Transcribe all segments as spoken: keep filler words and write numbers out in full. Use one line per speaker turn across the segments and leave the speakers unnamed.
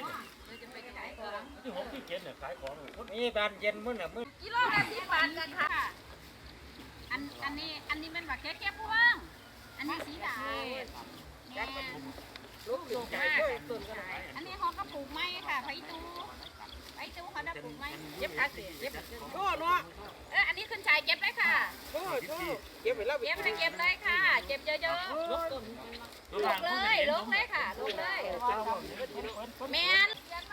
ที่หกที่เจ็ดเนี่ยขายของนี่ตอนเย็นมื้อน่ะมื้อ
กิโลละสิบบาทกันค่ะอันอันนี้อันนี้มันแบบแค่แค่พวงอันนี้สีดาลูกลูกมากอันนี้เขาก็ปลูกไม้ค่ะไผ่ตูไผ่ตูเขาได้ปลูกไม้เย็บขาสิเย็บโอ้เนาะเอออันนี้ขึ้นชายเก็บเลยค่ะโอ้โหเก็บไปแล้วเก็บไปเก็บเลยค่ะเก็บเยอะๆลุกเลยลุกเลยค่ะลุกเลยแมน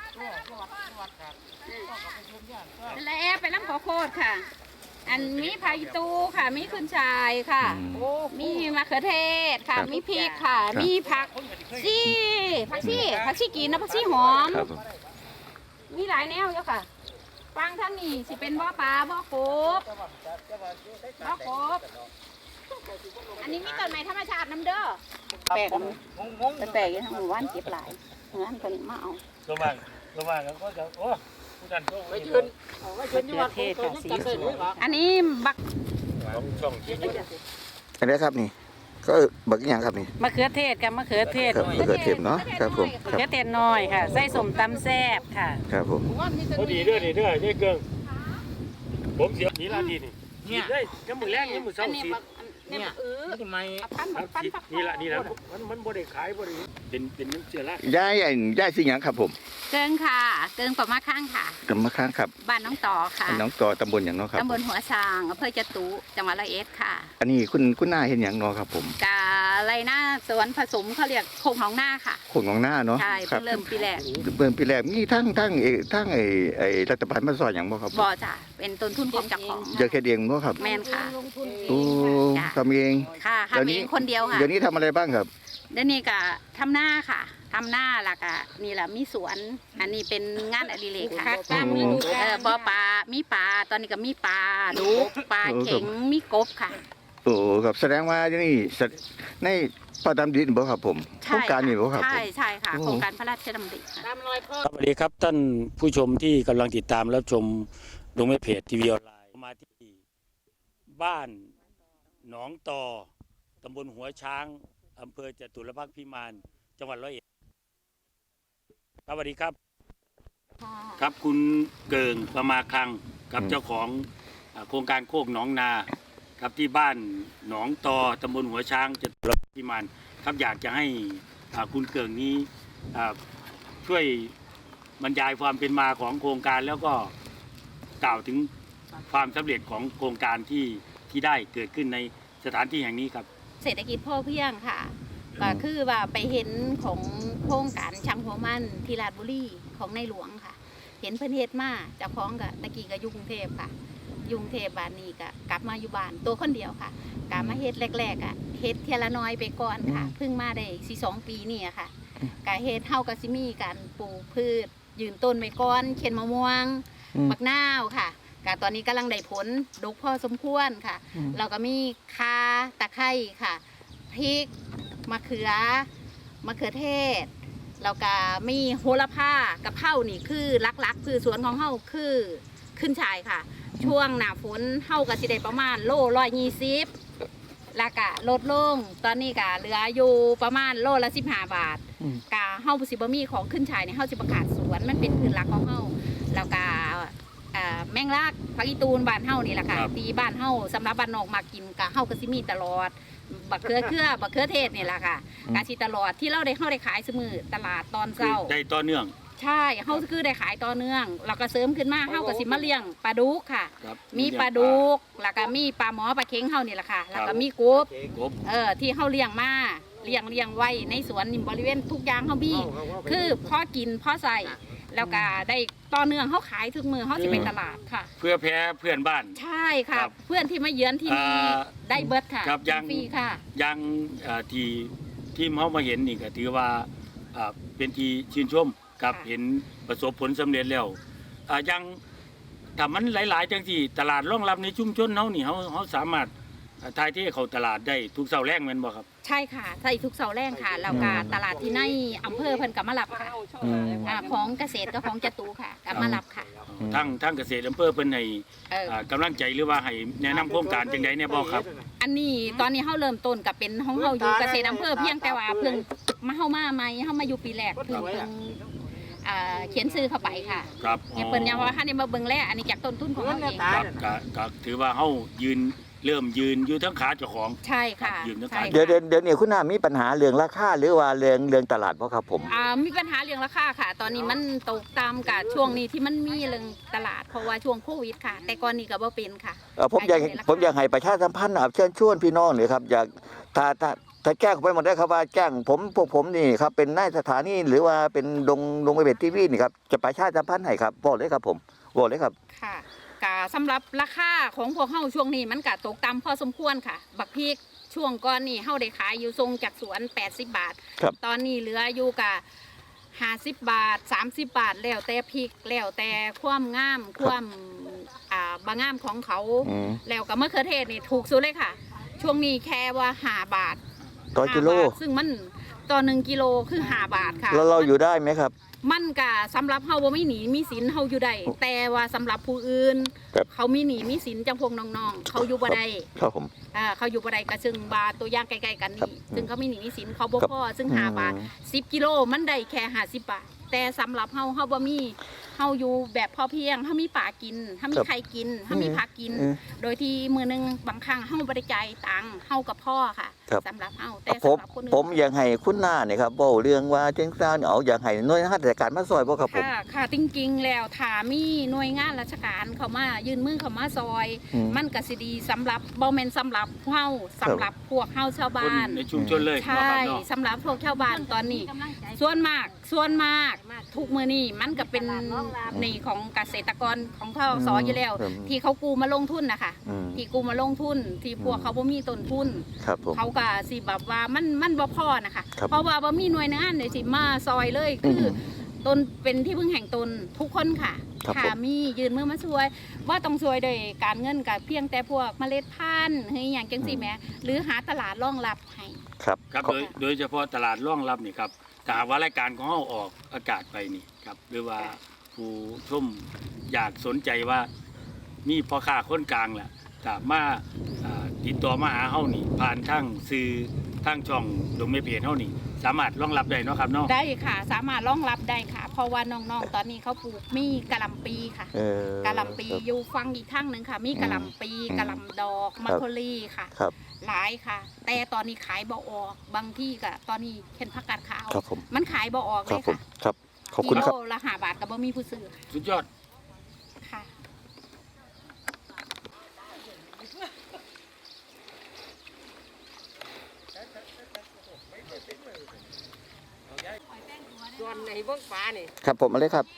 แล้วไปน้ำขอโคตรค่ะอันมีไผ่ตูค่ะมีขึ้นชายค่ะมีมะเขือเทศค่ะมีพริกค่ะมีผักชีผักชีผักชีกินนะผักชีหอมมีหลายแนวเยอะค่ะฟังท่านนี่สิเป็นบ่อปลาบ่อกบบ่อกบอันนี้มีต้นไม้ธรรมชาติน้ำเด้อแปลกแต่แปลกอยู่ทางหมู่บ้านเก็บหลายเงินคนมาเอา
ระวังระวังแล้วก็จะโอ้ผู้กันโชคไม่ยืน
มะเขือเทศค่ะสีสวยอันนี้บัก
ช่องที่
อันนี้ครับนี่ก็บักอย่างครับนี่
มะเขือเทศกับมะเขือเทศ
มะเขือเทศเนาะครับผม
มะเขือเทศน้อยค่ะใส่สมตำแซ่บค่ะ
ครับผม
พอดีเด้อดีเด้อนี่เกิงผมเสียนี่ลาดีนี่นี่ได้ยังมือแรงยังมือเศร้าสี
เนี่ยเออ
ทำไมนี่ละนี่ละมันมันบ่ได้ขายบ่ได้เป็นเป็นน้ำเชื่อละ
ย่ายย่ายสิหยังครับผม
เกิงค่ะเกิงประมาข้างค่ะ
กำมะข้างครับ
บ้านน้องต่อค่ะ
น้องต่อตำบลอย่างเนาะครับ
ตำบลหัวช้างอำเภอจตุจังหวัดร้อยเอ็ดค่ะ
อันนี้คุณคุณหน้าเห็นอย่างเนาะครับผม
กาไรหน้าสวนผสมเขาเรียกโคงของหน้าค่ะ
โคงของหน้าเนาะ
ใช่เริ่มปีแรก
เริ่มปีแรกนี่ทั้งทั้งไอ้ทั้งไอ้ไอ้รัฐบาลมาสอนอย่างบ่ครับ
บ่จ้ะเป็นต้นทุนของเจ้าของ
เยอะแค่เดียงเนาะครับ
แม่นค่ะ
โอ้ทำเอง
ค่ะทำเองคนเดียวค่ะ
เดี๋ยวนี้ทำอะไรบ้างครับ
เดี๋ยวนี้ก็ทำหน้าค่ะทำหน้าล่ะก็นี่แหละมีสวนอันนี้เป็นงานอดิเรกค่ะเออบ่อปลามีปลาตอนนี้ก็มีปลาดุกปลาเข็งมีกบค่ะ
โอ้ครับแสดงว่านี่ในพระดำดินบ่ครับผมโครงการนี้บ่ครับ
ใช่ใช่ค่ะโครงการพระราชดำริ
สวัสดีครับท่านผู้ชมที่กำลังติดตามรับชมลงในเพจทีวีออนไลน์มาที่บ้านหนองตอตำบลหัวช้างอำเภอจตุรพักษ์พิมานจังหวัดร้อยเอ็ดสวัสดีครับครับคุณเกิงประมาคังกับเจ้าของโครงการโคกหนองนาครับที่บ้านหนองตอตำบลหัวช้างจตุรพักษ์พิมานครับอยากจะให้คุณเกิงนี้ช่วยบรรยายความเป็นมาของโครงการแล้วก็กล่าวถึงความสำเร็จของโครงการที่ที่ได้เกิดขึ้นในสถานที่แห่งนี้ครับ
เศรษฐกิจพ่อเพียงค่ะก็คือว่าไปเห็นของโครงการช่างหัวมันที่ราชบุรีของในหลวงค่ะเห็นเพิ่นเฮ็ดมาเจ้าของกับตะกี้กับกรุงเทพค่ะกรุงเทพบ้านนี้ก็กลับมาอยู่บ้านตัวคนเดียวค่ะกลับมาเฮ็ดแรกๆอ่ะเฮ็ดเทียละน้อยไปก่อนค่ะเพิ่งมาได้สี่สองปีนี่ค่ะก็เฮ็ดเฮาก็สิมีการปลูกพืชยืนต้นไปก่อนเข็นมะม่วงมะนาวค่ะก็ตอนนี้กำลังได้ผลดกพอสมควรค่ะเราก็มีข่าตะไคร้ค่ะพริกมะเขือมะเขือเทศแล้วก็มีโหระพากะเพรานี่คือลักๆคือสวนของเฮาคือขึ้นชายค่ะช่วงหน้าฝนเฮาก็สิได้ประมาณโลร้อยยี่สิบแล้วก็ลดลงตอนนี้ก็เหลืออยู่ประมาณโลละสิบห้าบาทกะเฮาสิบ่มีของขึ้นชายในเฮาสิประกาศสวนมันเป็นพื้นหลักของเฮาแล้วก็แมงลักผักอีตูนบ้านเฮานี่แหละค่ะที่บ้านเฮาสำหรับบ้านนอกมากินกะเฮาก็สิมีตลอดบักเขือเขือบักเขือเทศนี่แหละค่ะกะสิตลอดที่เราได้เฮาได้ขายเสมอตลาดตอนเช้า
ได้ต่อเนื่อง
ใช่เฮาคือได้ขายต่อเนื่องเราก็เสริมขึ้นมาเฮาก็สิมาเลี้ยงปลาดุกค่ะมีปลาดุกแล้วก็มีปลาหมอปลาเค็งเฮานี่แหละค่ะแล้วก็มีกบเออที่เฮาเลี้ยงมาเลี้ยงเลี้ยงไว้ในสวนนี่บริเวณทุกอย่างเฮามีคือพอกินพอใส่แล้วก็ได้ต่อเนื่องเขาขายทุกมือเขาจะเป็นตลาดค่ะ
เพื่อแพ้เพื่อนบ้าน
ใช่ค่ะเพื่อนที่มาเยือนที่นี่ได้เบิร์ดค่ะ
ครับยัง
ฟรีค่ะ
ยังที่ทีมเขามาเห็นนี่ก็ถือว่าเป็นที่ชื่นชมกับเห็นประสบผลสำเร็จแล้วยังถ้ามันหลายๆจังที่ตลาดรองรับในชุมชนเขานี่เขาเขาสามารถทายที่เขาตลาดได้ทุกเสาแรงแม่นบ่ครับ
ใช่ค่ะใช่ทุกเสาแรงค่ะแล้วก็ตลาดที่ในอำเภอเพิ่นกับมารับค่ะของเกษตรกับของจตุค่ะกับมารับค่ะ
ทั้งทั้งเกษตรอำเภอเพิ่นให้กำลังใจหรือว่าให้แนะนำโครงการจังได๋แน่บ่ครับ
อันนี้ตอนนี้เฮาเริ่มต้นกับเป็นของเฮาอยู่เกษตรอำเภอเพียงแต่ว่าเพิ่งมาเฮามาใหม่เฮามาอยู่ปีแรกเพิ่งเพิ่งอ่าเขียนซื้อเข้าไปค่ะ
ครับ
เนี่ยเปิ้นยังว่าให้ได้มาเบิ่งแลอันนี้จากต้นทุนของเราเอง
ครับก็ก็ถือว่าเฮายืนเริ่มยืนอยู่ทั้งขาเจ้าของ
ใช่ค่ะ
ยืนทั้ง
ใช่
ขา
เดี๋ยว
ค่ะ
เดี๋ยวเดี๋ยวนี้คุณน้ามีปัญหาเรื่องราคาหรือว่าเรื่องเรื่องตลาดบ่ครับผม
อ่ามีปัญหาเรื่องราคาค่ะ ตอนนี้มันตกตามกับช่วงนี้ที่มันมีเรื่องตลาดเพราะว่าช่วงโควิดค่ะ แต่ก่อนนี้ก็บ่เป็นค่ะ
เอ่อผมอยาก
ขายอยู่ในราคา
ผมอยากให้ประชาสัมพันธ์นะครับเชิญชวนพี่น้องหน่อยครับอยากถ้าถ้าถ้าแจ้งไปหมดได้ครับว่าแจ้งผมพวกผมนี่ครับเป็นนายสถานีหรือว่าเป็นดงดงไปเบ็ดทีวีนี่ครับจะประชาสัมพันธ์ให้ครับบอกเลยครับผมบอกเลยครับ
ค่ะกะสำหรับราคาของพวกเฮาช่วงนี้มันก็ตกต่ำพอสมควรค่ะ บักพริกช่วงก่อนนี่เฮาได้ขายอยู่ทรงจากสวนแปดสิบบาท
ครับ
ตอนนี้เหลืออยู่กะห้าสิบบาทสามสิบบาทแล้วแต่พริกแล้วแต่ความงามความอ่าบางงามของเขา
อืม
แล้วก็มะเขือเทศนี่ถูกสุดเลยค่ะ ช่วงนี้แค่ว่าห้าบาท
ต่อกิโล
ห้าบาทซึ่งมันต่อหนึ่งกิโลคือห้าบาทค่ะ
แล้วเราอยู่ได้ไหมครับ
มันก็สำหรับเฮาบ่มีหนีมีสินเฮาอยู่ได้แต่ว่าสำหรับผู้อื่น
ครับ
เขามีหนีมีสินจังพวกน้องๆเขาอยู่บ่ได้
ครับผม
อ่าเขาอยู่บ่ได้ก็ซึ่งบาตัวอย่างใกล้ๆกัน
ครับ
นี่ซึ่งเขามีหนีมีสินเขาบ่
ครับ
พอซึ่งห้า
อืม
บาทสิบกิโลมันได้แค่ห้าสิบบาทแต่สำหรับเฮาเฮาบ่มีเฮาอยู่แบบพอเพียงเฮามีป่ากินเฮามี
ครับ
ไข่กินเฮามีผักกิน
อืม
โดยที่มื้อหนึงบางครั้งเฮาบ่ได้จ่ายตังค์เฮากับพ่อค่ะ
ครับ
สำหรับเฮาแต่
ผม
สำหรับคนอื่น
ผมอยากให้คุณหน้าเนี่ยครับบอกเรื่องว่าเจ้งซ่านเอาอยากให้หน่วยงานราชการมาซอยบ่ครับผม
ค่ะค่ะจริงๆแล้วถ้ามีหน่วยงานราชการเขามายื่นมือเขามาซอย
อืม
มันก็สิดีสำหรับบ่แม่นสำหรับเฮาสำหรับพวกเฮาชาว
คน
บ้าน
ในชุมชนเลย
ใช่
เนาะครับเนาะ
สำหรับพวกชาวบ้านตอนนี้ ส่วนมากส่วนมากทุกมือนี่มันก็เป็นหนี่ของเกษตรกรของเขาสออยู่แล้ว
อืม
ที่เขากู้มาลงทุนนะคะ
อืม
ที่กู้มาลงทุน ที่พวกเขาบ่มีต้นทุน
ครับผม
เขาก็สิแบบว่ามันมันบ่พอนะคะ
ครับ
เพราะว่าบ่มีหน่วยงานไหนสิมาซอยเลยคืออตนเป็นที่พึ่งแห่งตนทุกคนค่ะ
ครับ
ค่ะ
ผม
มียืนมือมาช่วยว่าต้องช่วยโดยการเงินกับเพียงแต่พวกเมล็ดพันธุ์เฮ้ยอย่างจังซี่แหมหรือหาตลาดรองรับให้
ครับ
ครับ
ขอ
โดยโดยเฉพาะตลาดร่องรับนี่ครับถ้าหากว่ารายการของเฮาออกอากาศไปนี่ครับหรือว่าผู้ชมอยากสนใจว่ามีพ่อค้าคนกลางแหละถ้ามาอ่าติดต่อมาหาเฮานี่ ผ่านทางสื่อทางช่องลงในเพจเฮานี่ สามารถรองรับได้เนาะครับเนาะ
ได้ค่ะ สามารถรองรับได้ค่ะ เพราะว่าน้องๆ ตอนนี้เขาปลูกมีกะหล่ำปีค่ะ
เออก
ะหล่ำปีอยู่ฟังอีกทั้งหนึ่งค่ะ มีกะหล่ำปี
อืม
กะหล่ำดอกมะโคลีค่ะ
ครับ
หลายค่ะ แต่ตอนนี้ขายบ่ออกบางที่ก็ตอนนี้เห็นผักกาดขาว
ครับผม
มันขายบ่ออก
ค
เล
รับ
ย
ผม
ค่ะ
ครับ ขอบคุณครับ
กิโลละห้าบาทก็บ่มีผู้ซื้อ
สุดยอด
ค่ะ
ส่วนในเบื้องฟ้านี่
ครับผมมาเลยครับ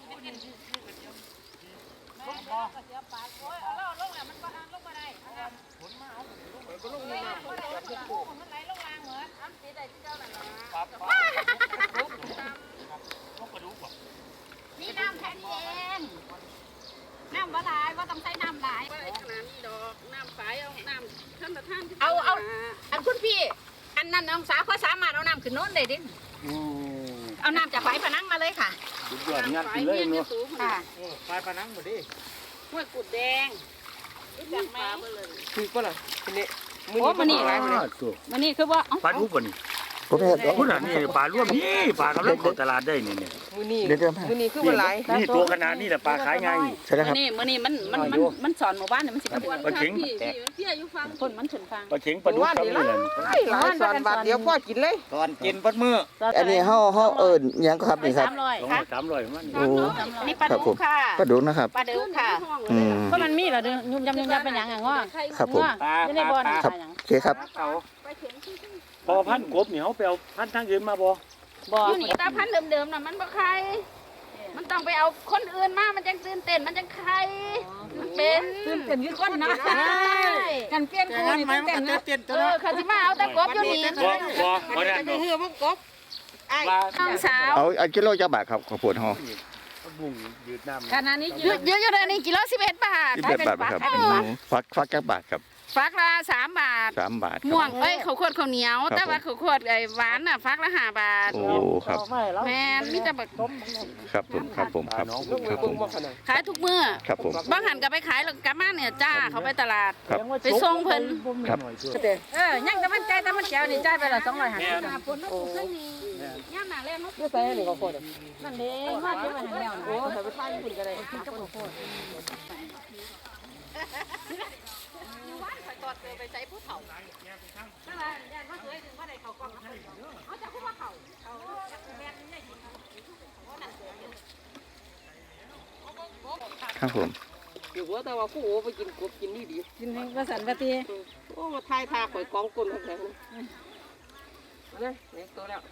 นี่น้ำแค่นี้เองน้ำว่าหลายว่าต้องใช้น้ำหลาย
ขนาดนี้ดอกน้ำใสเอาน้ำท่านประธาน
เอาเอา อันคุณพี่ อันนั้นน้องสาวเขาสามารถเอาน้ำขึ้นโน้นได้ดิ เอาน้ำจากไฟพนังมาเลยค่ะ
สุดยอดงานกินเลยเนาะ
ค่ะ
ไฟผนังหมดดิ
ห้วยกุดแดงรู้จักไหม
คือก็ล่ะทีนี้
โอ้มันนี่
ร้ายเลย
มันนี่คือว่าเอ้า
ปลาดุกบ่นี่
ผมเห็น
พุ่นน่ะนี่ปลาร่วมนี่ปลากำลังเข้าตลาดได้นี่เนี่ย
มือนี่
เดี๋ยวเดี๋ยว
มือนี่คือว่าหลาย
นี่ตัวขนาดนี้แหละปลาขายง่าย
ใช่แล้วค
มั
รับ
นนี่มันนี่มันมันมันมันสอนหมู่บ้านเนี่ยมันสิบ
ปลาเข็ง
พี่อายุฟัง
คนมันถึงฟัง
ปลาเข็งปลาดุกครับนี่แหละ
หลายหลายสอนบาทเดียวพ่อกินเลย
ก่อนกินปัดมืออันนี้เฮาเฮาเอิ้นหยังครับนี่ครับ
สามร้อย
สอง
ค่ะ
ร้อยสามร้อยมัน
โอ้
นี่ปลา
ครับผ
ดุ
ม
กค่ะ
ปลาดุกนะครับ
ปลาดุกค่ะ
อืม
เพราะมันมีเหรอเด้อยุ่มยำยุ่มยำเป็นหยังอ่ะง้อ
ครับผม
จะได้บ่อน
ครับ
หยัง
โอเคครับ
พอพันกบนี่เฮาไปเอาพันทางอื่นมาบ่
บ่
อยู่นี่ตาพันธุ์เดิมๆน่ะมันบ่ใคร มันต้องไปเอาคนอื่นมา มันจังตื่นเต้น มันจังใครมันเป็น
ตื่นเต้นคือคนนะ
ใช่
กันเปลี่ยนคู่นี่ตื่นเต้นนะ
เออเขาสิมาเอาแต่กบอยู่นี่
บ่บ่บ่ได้
จะเหือพวกกบ
ว่า
น้องสาว
เอาเอากิโลจักบาทครับข้าวโพดเฮา
บุ้งยืดน้ำ
ขณะนี้
เยอะเยอะอยู่เลยนี่กิโลสิบเอ็ดบาท
สิบเอ็ดบาทครับอืมฟักฟักจักบาทครับ
ฟักละสามบาท
สามบาทครับ
ม่วง เอ้ยข้าวโพดข้าวเหนียว
ครับ
แต่ว่าข้าวโพดไอ้หวานน่ะฟักละห้าบาท
โอ้ครับ
แม่นมีแต่แบบ
ครับผมครับผมครับครับผม
ขายทุกมื้อ
ครับผม
บางหันก็ไปขายแล้วกลับมาเนี่ยจ้าเขาไปตลาด
ครับ
ไปส่งเพิ่น
ครับ
เออยังแต่มันใจแต่มันแก้วนี่จ่ายไปละสองร้อยห้าสิบ
แม่น
ย่ามหนาแรงเนาะ
ไม่ใส่อันนี้ก็โคตร
นั่นเด้มาเก็บไว้ให้แล้วนะ
โอ้ใส่ไปทานญี่ปุ่นก็ได้
กินกับข้าวโพดอยู่บ้านข่อยตอดเจอไปใช้ผู้เฒ่านั่นแหละย่านว่าเคยถึงว่าได้เขากล้องเอาจากผู้ว่าเขาเขาจากแม่นี่ได้ยินเขานั่นเสือเยอะ
ครับผม
อยู่หัวแต่ว่ากูโอ้ไปกินกบกินนี่ดี
กินให้ประสันปฏิ
โอ้มาทายทาข่อยกองก้นแข็งๆนี่นี่ตัวแล้ว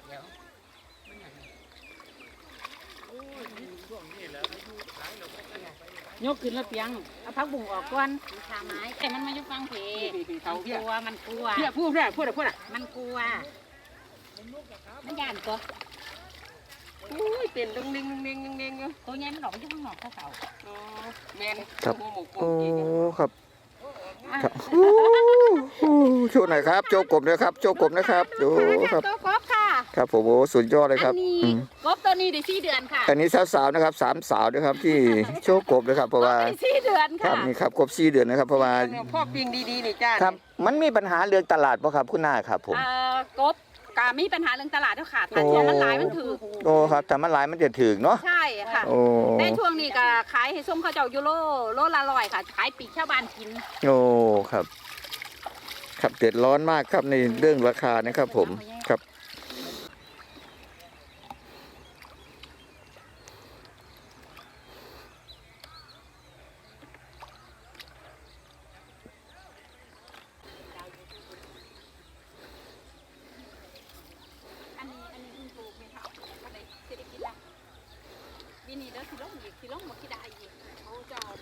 ยกขึ้นแล้วเปียงเอาพักบุ่งออกก่อนขาไม้แต่มันมาอยู่ฟังเพ
พี่เท่า
มัน
เพี้
ก
ย
ลัวมันกลัว
เพี้ยพูดเพี้ยพูดพูดอ่ะ
มันกลัวมันย่านตัว
อุ้ยเต้นดึงดึงดึงดึงดึงอยู่
ตัวใหญ่มันหลอกอยู่ข้างนอกเขาเขา
อ๋อแมน
ครับ
โอ้โห
โอ้ครับครับอู้หูโชว์หน่อยครับโชว์กบนะครับโชว์กบนะครับดูครับ
ตัวกบค่ะ
ครับผมโอ้สุดยอดเลยค
อั
รับ
นนี้
อืม
กบตัวนี้ได้สี่เดือนค่ะ
อันนี้สาวๆนะครับสามสาวนะครับที่โชว์กบนะครับเพราะว่า
ได้สี่เดือน
ครั
ค่ะ
บนี่ครับกบสี่เดือนนะครับเพราะว่า
พ่อปิ้งดีๆนี่จ้า
ครับมันมีปัญหาเรื่องตลาดป่ะครับคุณหน้าครับผม
เอ่อกบกามีปัญหาเรื่องตลาดเท่าขาดถ้าช่วงมันหลายมันถือ
โอ้ครับแต่มันหลายมันจะถึงเนาะ
ใช่ค่ะ
โอ้
ในช่วงนี้ก็ขายให้ส้มข้าวเจ้ายูโรโลละร้อยค่ะ ขายปีกชาวบ้านกิน
โอ้ครับ ครับเดือดร้อนมากครับในเรื่องราคานะครับผมครับ
อันนี้อันนี้คุณปลูกไม่เท่าก็ได้สิได้กินละปีนี้เด้อสิลงอีกสิลงบ่คิดได้อีกเขาจะเอา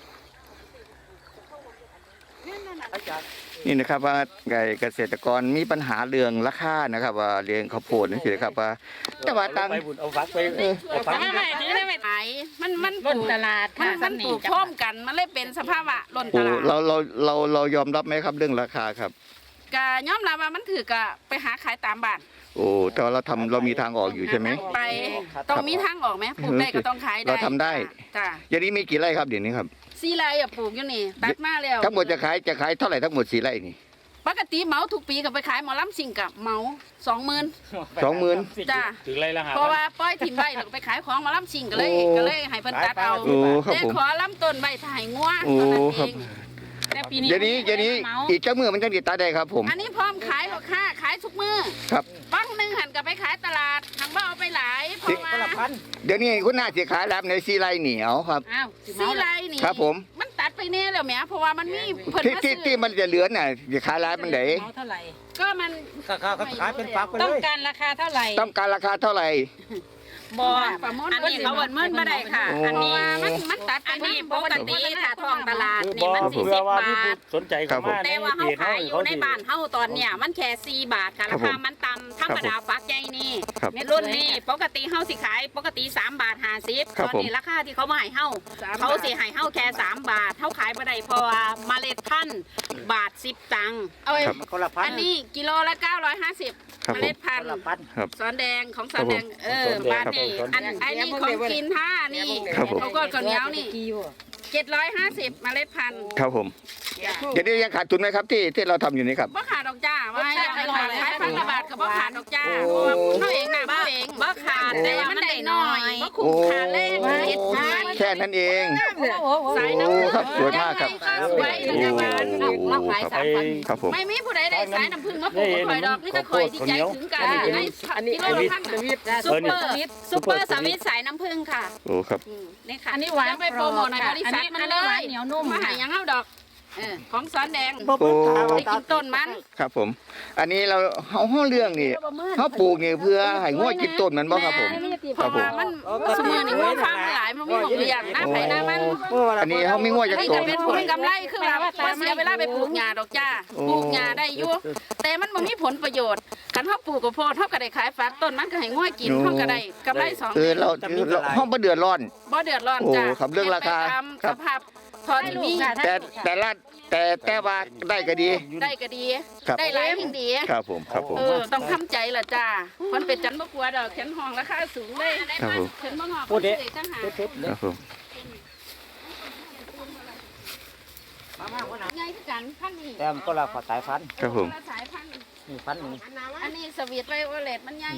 นั่นนั่นน่ะ
นี่นะครับว่าไก่เกษตรกรมีปัญหาเรื่องราคานะครับ ว่าเลี้ยงข้าวโพดนี่สิครับว่าแต่ว่าตัง
ไปบุญเอาฟักไปเออเอาฟัก
ไม่ไม่ถึงได้ไม่ขายมันมันป
ล้น
ลูก
ตลาด
มัน
ค่ะ
มันปลูกพร้อมกันมันเลยเป็นสภาพอะล้น
โอ้
ตลาด
เราเราเราเรายอมรับไหมครับเรื่องราคาครับ
ก็ยอมรับว่ามันถือกะไปหาขายตามบ้าน
โอ้แต่ว่าเราทำเรามีทางออกอยู่ใช่ไหม
ไปต้องมีทางออกไหมปลูกได้ก็ต้องขายได้
เราทำได้
จ้ะ
อย่างนี้มีกี่ไร่ครับเดี๋ยวนี้ครับ
ซีไรอะปลูกอยู่นี่ตัดมาแล้ว
ทั้งหมดจะขายจะขายเท่าไหร่ทั้งหมดสี่ไร่นี่
ปกติเหมาทุกปีก็ไปขายหมอลำซิงกับเหมาสองหมื่น
สองหมื่น
จ้ะ
ถึงไรละหา
เพราะว่าปล่อยถิ่มไว้แล้วก็ไปขายของหมอลำซิงก็เลย
โอ้
ก็เลยให้เพิ่นตัดเอา
โอ้ครับ
แต่
ผม
ขอลำต้นใบถ่ายงัว
โอ้
เท่านั้น
ครั
เอบ งแต่ปีนี้
เดี๋ยวนี้เดี๋ยวนี้
เหมา
อีกเจ้ามือมันจะติดตาได้ครับผม
อันนี้พร้อมขายหรอกค่ะขายทุกมือ
ครับ
ปังหนึ่งหันกับไปขายตลาดทางบ้านเอาไปหลายเพราะว่า
เดี๋ยวนี้คุณน่าจะขายรับในสี่ไร่เหนียวครับ
อ้าวซีไรนี่
ครับผม
มันตัดไปแน่แล้วแหมเพราะว่ามันมีเพิ่น
ที่
มา
ที่
ซื้
ที่
อ
มันจะเหลือน่ะจะขายร้านมันไหน
เอาเท่าไหร่
ก็มัน
ขายเป็นฟักไป
ต้อง
เลย
การราคาเท่าไหร่
ต้องการราคาเท่าไหร่
บอประมวลอันนี้เขาเวินเมินมาได้ค่ะ
โอ้
อันนี้มันมันตัดอันนี้ปกติถ้าท้องตลาดนี่มันสี่
เพื่
สิ
อ
บบ
ว่า
บา
มีผู้
ท
สนใจเข้ามา
แต่ว่าเขาขายอยู่ในบ้านเขาตอนเนี้ยมันแค่สี่บาทค่ะ
ครั
รา
บผม
คามันต่ำธรรมดาฟักใหญ่นี่
ครับ
เม็ดรุ่นนี่ปกติเขาสิขายปกติสามบาทห้าสิบ
ครั
ต
บ
อนนี้ราคาที่เขามาให้เฮาเขาสิให้เฮาแค่สามบาทเขาขายบ่ได้เพราะว่าเมล็ดพันธุ์บาทสิบตังค์เอาไว้
ครับ
คนละพัน
อันนี้กิโลละเก้าร้อยห้าสิบ
ครับ
เม
ผม
ล็ดพันธุ์
ครับ
สอนแดงของสอนแดงเออบาทนี่
ครับผม
อันอันนี้ของกินท่านี่
ครับผม
เขาก็ข้าวเหนียวนี่เจ็ดร้อยห้าสิบเมล็ดพันธุ์
ครับผมเดี๋ยวนี้ยังขาดทุนไหมครับที่ที่เราทำอยู่นี่ครับ
บ่ขาดดอกจ้าว่าให้ขายขายพันละบาทกับบ่ขาดดอกจ้า
โอ้
เพราะว่าเขาเองน่ะเขาเองบ่ขาดแต่ว่ามันได้น้อยบ่คุ้มค่าแรงเฮ็ดทาน
แค่นั้นเอง
สาย
โอ้
น้ำผึ้ง
ครับสวยมากครับ
สวย
โอ้
จังหวัด
เราขายสามพัน
ครับผม
ไม่มีผู้ใดได้สายน้ำผึ้งมาปลูกข่อยดอกนี่ก็ข่อยดีใจถึงกันได้
อันนี้
กิโล
อัน
ละ
นี้
พัน
สวิต
ซุปเปอร์ซุปเปอร์สวิตสายน้ำผึ้งค่ะ
โอ้ครับ
อืมนี่ค่ะ
อันนี้หวาน
จะไปโปรโมทในบริษัทมันเล
อันนี้หวาย นเหนียวนุ่ม
มาหายังเอาดอกเออของสอนแดง
โอ้
ได้กินต้นมัน
ครับผม อันนี้เราเขาห้องเรื่องนี่เขาปลูกนี่เพื่อให้งวดกินต้นมันบ่ครับผม
เพราะว่ามันสมือนี่มันฟังหลายมันมีหมองเรียงหน้าไผ่หน้ามัน
อันนี้เขาไม่งวดจาก
ให้
ต้
จะ
น
เป็นผลกำไรคือว่าบ่เสียเวลาไปปลูกหญ้าดอกจ้า
โอ้
ปลูกหญ้าได้อยู่แต่มันบ่มีผลประโยชน์คันเฮาปลูกก็พอเฮาก็ได้ขายฝักต้นมันก็ให้ง่วยกินเฮาก็ได้กำไรสอง
เออเราเราห้องบ่เดือดร้อน
บ่เดือดร้อนจ้า
โอ้ครับเรื่องราคา
ตาม
ครั
ส
บ
ภาพทอที่มี
แต่แต่ละแต่แต่ว่าได้ก็ดี
ได้ก็ดี
ครับ
ได้หลายยิ่งดี
ครับผมครับผม
เออต้องทำใจล่ะจ้ามันเป็นจันบ่กลัวดอกเข็นห้องราคาสูงเลย
ครับผม
เข็นบ่งอกพูดเด้จังหา
ครับผม
ไงคือกันพันนี้
แต่มันก็ละขอสายพันธุ์
ครับผม
ละสายพันธุ์
นี่พันธุ์หนึ่ง
อันนี้สวีทไวโอเลตมันใหญ่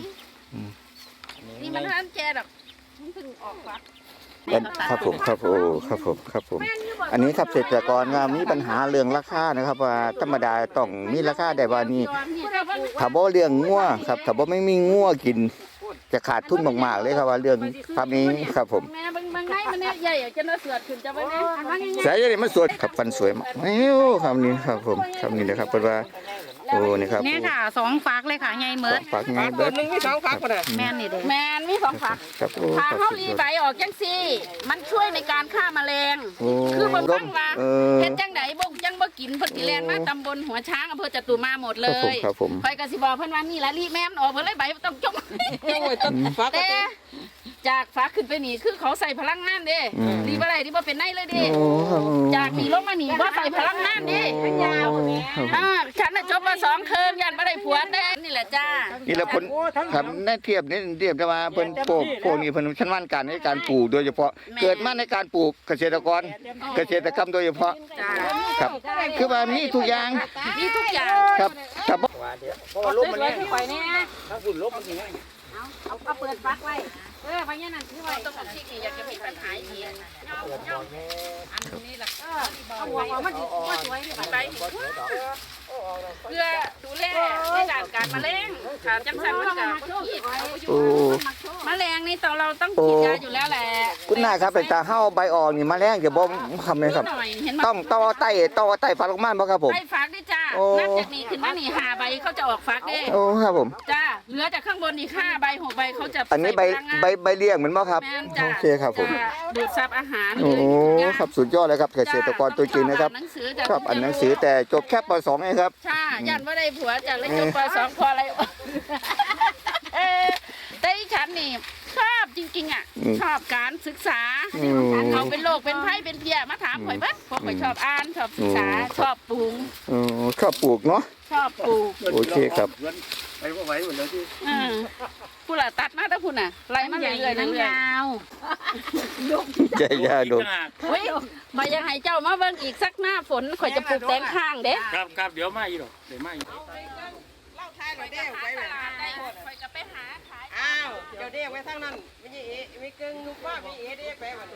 นี่มันทันแก่ดอกมันเพิ่งออกฟัก
อันครับผมครับโอ้ครับผมครับผม อันนี้ครับเกษตรกรงานมีปัญหาเรื่องราคานะครับ ว่าธรรมดาต้องมีราคาได้ว่านี่ถ้าบ่เลี้ยงงัวครับถ้าบ่ไม่มีงัวกิน จะขาดทุนมากๆเลยครับว่าเรื่องทำนี้ครับผม
แม่บางบางไงมันเนี่ยใหญ่จนเราเสือดขึ้นจะไปแน่อันว่าไง
สายนี่มันสวยครับฟันสวยมากเอ้วคำนี้ครับผมคำนี้นะครับเป็นว่าโอ้นี่ครับ
เนี่ยค่ะสองฝักเลยค่ะใหญ่เหมือน
ฝากไง
ตั
เบิ
ว
ด
หนึ่งมีสองฟักคนน่ะ
แม่นนี่เด้อ
แมนมีสองฝัก
ครับโอ้
ถ้า
ครับ
เขา
สุด
รี
ยอด
ใบออกจังซี่ มันช่วยในการฆ่าแมลง
โอ้
คือบางครั้งว่า
เออ
เฮ็ดจังไดบ่ยังบ่กินเพิ่นสิแลนมาตำบลหัวช้างอำเภอจตุมาหมดเล
ครับผม
ย
ครับผม
ข่อยก็สิบอกเพิ่นว่านี่ละรีแม่มออกเพิ่นเลยใบต้องจง
โอ้ยต้นฟัก
แต่จากฟ้าขึ้นไปนี่คือเขาใส่พลังงานเด้
อืม
รีบ่ได้ที่บ่เป็นไนเลยเด้
โอ้ครับผม
จากนี่ลงมานี่บ่ใส่พลังงานเด้
โอ้ครับผม
อ่าฉันน่ะจบมาสองเทอมยันบ่ได้ผัวแต่นี่แหละจ้า
นี่แหละคนครับในเทียบนี่เทียบได้ว่าเพิ่นปลูกพวกนี้เพิ่นชำนาญการในการปลูกโดยเฉพาะ เกิดมาในการปลูกเกษตรกรเกษตรกรรมโดยเฉพาะ
จ้า
ครับคือว่ามีทุกอย่าง
มีทุกอย่าง
ครับถ้าบ่
เอาสวยๆที่ข่อยนี่นะถ้าฝุ่นลบมันสิง่ายเอาเอาเอาเปิดฟักไว้เออพญานั่นคือไว้ต้องที่นี่อยากจะมีปัญหาอีกเงาเงาอันนี้ล่ะเออเอาหัวเอามันสิบ่สวยนี่ไปเพื่อดูแลในด้านการมะเร็งถ้าจังซั่นมันก็บ่คิดเอาอยู่
โอ้
มะเร็งนี่ตอนเราต้องฉีดยาอยู่แล้วแหละ
คุณนายครับเป็นตาเฮาใบอ่อนนี่มาแรงจะบ่ทำเลยครับ
นิดหน่อยเห็นไหม
ต้องต่อไต้ต่อไต้ฝักลงมาบ่ครับผม
ใบฟักด้วยจ้า
โอ้
นับจากนี้ขึ้นมานี่ห้าใบเขาจะออกฟักเด้
โอ้ครับผม
จ้าเหลือจากข้างบนอีกห้าใบหกใบเขาจะ
อันนี้ใบ
ส่พลังงา
ใบใบเลี้ยงเหมือนบ่ครับ
แม่นจ้า
โอเคครับผม
จะดูดซับอาหาร
โอ้
จ้า
ครับสุดยอดเลยครับเกษตรกรตัวจริงนะครับ
หนังสือจ้ะ
ชอบอ่านหนังสือแต่จบแค่ป สองเองครับ
ใช่ยันว่าได้ผัวจากเลยจบปสองพออะไรเออแต่อีฉันนี่ชอบจริงๆอ่ะ
อืม
ชอบการศึกษา
อืม
เขาเป็นโรคเป็นไข้เป็นเพลียมาถามข่อยเบ้างเพราะข่อยชอบอ่านชอบศึกษา
อืม
ชอบปลูก
โอ้ชอบปลูกเนาะ
ชอบปลูก
โอเคครับ
ไปว่าไหวหมดเลยที่
เออผู้ละตัดมาแต่ผู้น่ะไล่มาเรื่อยๆเรื่อย
ยาว
ใจยากดู
ๆเฮ้ยมายังให้เจ้ามาเบิ่งอีกสักหน้าฝนข่อยจะปลูกแตงข้างเด้
ครับครับเดี๋ยวมาอีกหรอกเดี๋ยวมาอีก
เล่าท้ายเราเด้ไว้แบบ
ข่อยก็ไปหาขาย
อ้าวเดี๋ยวเด้ไว้ทางนั้นไม่ใช่เอไม่เกิงลูกว่าไม่เอเด้ไปวัน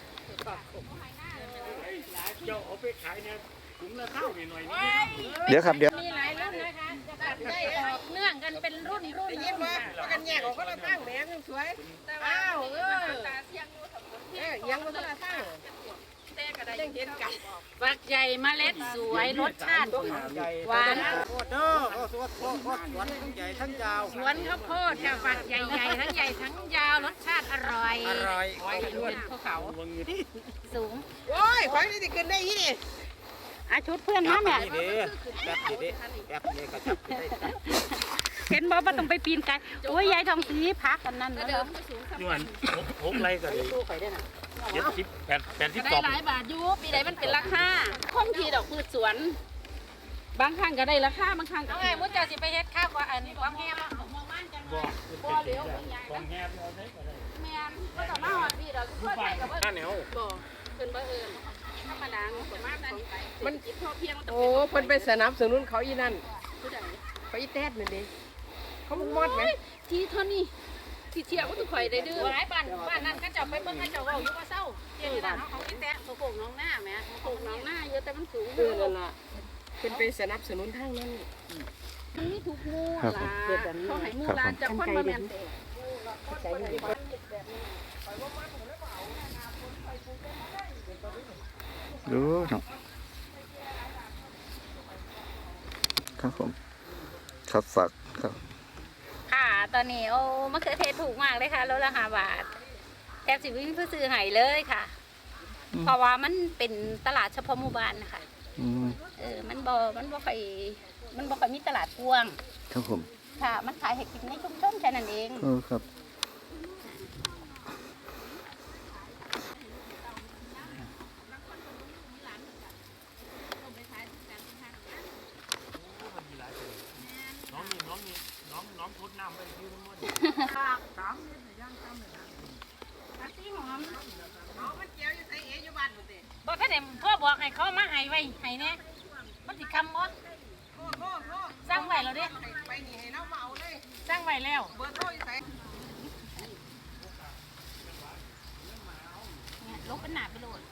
เจ้าเอาไปขายเนี่ยถุงละข้าวหน่อยๆนี่
เดี๋ยวครับเดี๋ยว
มีหลายรุ่นนะคะจะตัดได้ออกเนื่องกันเป็นรุ่นรุ่น
ได้ยินว่าว่ากันแยกออกคนละทางแหมยังสวยอ้าวเออ
ตาเสียงดูสมบูรณ์
เออยังคนละทาง
แต่ก็ได้
ยังเห็นกัน
ฝักใหญ่เมล็ดสวยรสชาติหวาน
โคตรเด้อโคตรโคตรโคตรสวนทั้งใหญ่ทั้งยาว
สวนข้าวโพดค่ะฝักใหญ่ๆทั้งใหญ่ทั้งยาวรสชาติอร่อย
อร่อย
เป็นภูเขาสูง
โอ้ยควายนี่จะขึ้นได้ยี่นี่
อาชุดเพื่อนมาแม่
นี่เด้แบบนี้เด้แบบนี้ก็จับได้
เห็นบ่ว่าต้องไปปีนไกลโอ้ยยายทองสีพักกันนั่น
เดิ
เด้อ
มสูง
ยวนหกไรก็ได้
ตู้ไปได้น่ะ
เจ็ดสิบแปดแปดสิบ
ก็
ส
ได้
อง
หลายบาทอยู่ปีใดมันเป็นราคาคงทีดอกพืชสวน บางครั้งก็ได้ราคาบางครั้งก็
เอาไงมุ้งจะสิไปเฮ็ดข้าวว่าอันนี้ความแห้ง
บ่บ่เหลียวของแง่เอาได้ก็ได้
แม่นก็ต้องมาหอดพี่ดอกทั่วไปกับว่า
ข้าเหนียว
บ่เพิ่นบ่เอิ้นธรรมดาประมาณนั้นมันจิตพอเพียงมัน
โอ้เพิ่นไปสนับสนุนเขาอีนั่น
ผู้ใด
เขาอีแตดนั่นดิเขามันมอดไหม
ที่เท่านี้ที่เที่ยวก็ต้องข่อยได้ดื้อ
หลายบ้านบ้านนั้นก็จะไปเบิ่งเขาเจ้าเว้าอยู่ว่าเศร้าเดี๋ยวนี้บ้านเฮาเขาสิแตะ
ปลูกน้องหน้าแม่ปลูกน้องหน้าเยอะแต่มันสูง
เออนั่นล่ะเพิ่นไปสนับสนุนทางนั้น
มันมีทุกหมู่ล่ะเขาให้หมู่ลานจากคนมาแม่นเด้
ดูเนาะครับผมครับฝากครับ
ค่ะ ตอนนี้โอ้มะเขือเทศถูกมากเลยค่ะโลละห้าบาทแทบสิวิ่งเพื่อซื้อให้เลยค่ะ เพราะว่ามันเป็นตลาดเฉพาะหมู่บ้านนะคะ
อืม
เออมันบ่มันบ่ค่อยมันบ่ค่อยมีตลาดกว้าง
ครับผม
ค่ะ มันขายให้กินในชุมชนแค่นั้นเอง
เออครับ
บ่ทันได้พ่อบอกให้เขามาให้ไว้ให้แน่มันสิคำบ่สร้างไว้แล้วเด้
ไปนี่ให้เรามาเอาเลย
สร้างไว้แล้ว
เบอร์โทรอยู่ไส
หนาไปโหลด